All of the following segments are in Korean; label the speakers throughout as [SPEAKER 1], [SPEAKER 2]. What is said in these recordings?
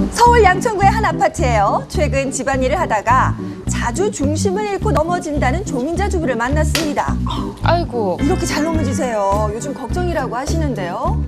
[SPEAKER 1] 서울 양천구의 한 아파트예요. 최근 집안일을 하다가 자주 중심을 잃고 넘어진다는 조민자 주부를 만났습니다.
[SPEAKER 2] 아이고.
[SPEAKER 1] 이렇게 잘 넘어지세요. 요즘 걱정이라고 하시는데요.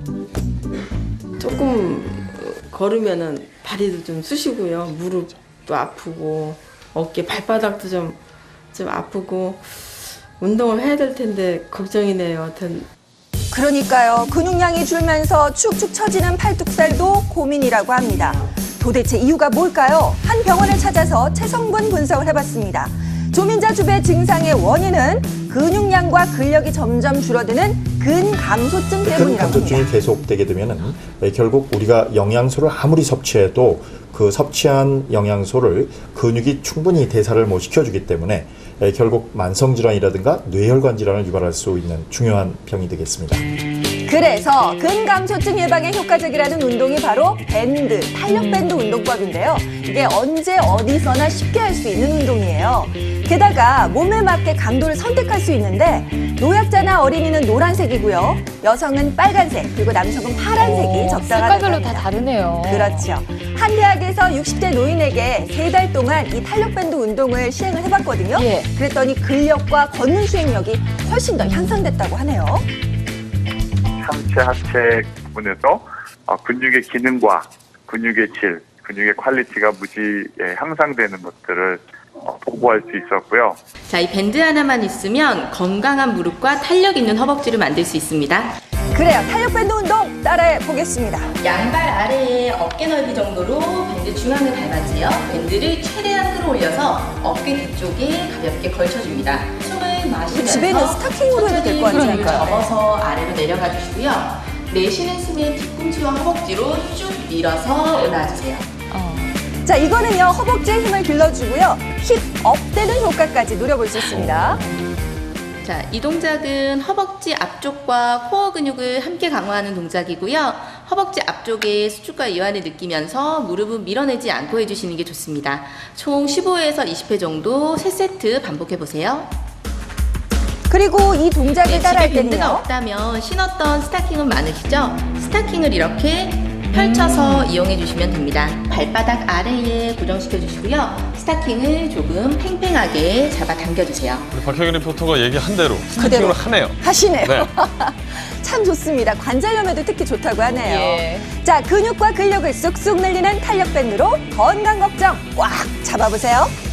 [SPEAKER 3] 조금 걸으면은 다리도 좀 쑤시고요. 무릎도 아프고 어깨 발바닥도 좀 아프고 운동을 해야 될 텐데 걱정이네요. 하여튼
[SPEAKER 1] 그러니까요. 근육량이 줄면서 축축 처지는 팔뚝살도 고민이라고 합니다. 도대체 이유가 뭘까요? 한 병원을 찾아서 체성분 분석을 해봤습니다. 조민자 주부의 증상의 원인은 근육량과 근력이 점점 줄어드는 근감소증 때문이라고
[SPEAKER 4] 근감소증이
[SPEAKER 1] 합니다.
[SPEAKER 4] 계속되게 되면은 결국 우리가 영양소를 아무리 섭취해도 그 섭취한 영양소를 근육이 충분히 대사를 못 시켜주기 때문에 결국 만성질환이라든가 뇌혈관 질환을 유발할 수 있는 중요한 병이 되겠습니다.
[SPEAKER 1] 그래서 근감소증 예방에 효과적이라는 운동이 바로 밴드, 탄력밴드 운동법인데요. 이게 언제 어디서나 쉽게 할 수 있는 운동이에요. 게다가 몸에 맞게 강도를 선택할 수 있는데 노약자나 어린이는 노란색이고요. 여성은 빨간색, 그리고 남성은 파란색이 적당하다고
[SPEAKER 2] 색깔별로
[SPEAKER 1] 합니다.
[SPEAKER 2] 다 다르네요.
[SPEAKER 1] 그렇죠. 한 대학에서 60대 노인에게 3달 동안 이 탄력밴드 운동을 시행을 해봤거든요.
[SPEAKER 2] 예.
[SPEAKER 1] 그랬더니 근력과 걷는 수행력이 훨씬 더 향상됐다고 하네요.
[SPEAKER 5] 상체, 하체 부분에서 근육의 기능과 근육의 질, 근육의 퀄리티가 무지 향상되는 것들을 보고할 수 있었고요.
[SPEAKER 6] 자, 이 밴드 하나만 있으면 건강한 무릎과 탄력 있는 허벅지를 만들 수 있습니다.
[SPEAKER 1] 그래요. 탄력밴드 운동 따라해 보겠습니다.
[SPEAKER 6] 양발 아래에 어깨 넓이 정도로 밴드 중앙을 밟아주세요. 밴드를 최대한 끌어올려서 어깨 뒤쪽에 가볍게 걸쳐줍니다. 숨을 마시면서
[SPEAKER 1] 집에는 스타킹으로 해도 될거
[SPEAKER 6] 천천히
[SPEAKER 1] 아니에요?
[SPEAKER 6] 근육을 접어서 아래로 내려가 주시고요. 내쉬는 숨에 뒤꿈치와 허벅지로 쭉 밀어서 올라와주세요.
[SPEAKER 1] 자, 이거는요. 허벅지에 힘을 길러주고요. 힙 업되는 효과까지 누려볼 수 있습니다.
[SPEAKER 6] 자, 이 동작은 허벅지 앞쪽과 코어 근육을 함께 강화하는 동작이고요. 허벅지 앞쪽에 수축과 이완을 느끼면서 무릎은 밀어내지 않고 해주시는 게 좋습니다. 총 15회에서 20회 정도 3세트 반복해보세요.
[SPEAKER 1] 그리고 이 동작을
[SPEAKER 6] 집에
[SPEAKER 1] 따라할
[SPEAKER 6] 밴드가
[SPEAKER 1] 때는요.
[SPEAKER 6] 없다면 신었던 스타킹은 많으시죠? 스타킹을 이렇게 펼쳐서 이용해 주시면 됩니다. 발바닥 아래에 고정시켜 주시고요. 스타킹을 조금 팽팽하게 잡아 당겨주세요.
[SPEAKER 7] 우리 박혜경 리포터가 얘기한 대로
[SPEAKER 1] 그대로
[SPEAKER 7] 스타킹으로 하네요.
[SPEAKER 1] 하시네요.
[SPEAKER 7] 네.
[SPEAKER 1] 참 좋습니다. 관절염에도 특히 좋다고 하네요.
[SPEAKER 2] 예.
[SPEAKER 1] 자, 근육과 근력을 쑥쑥 늘리는 탄력밴드로 건강 걱정 꽉 잡아보세요.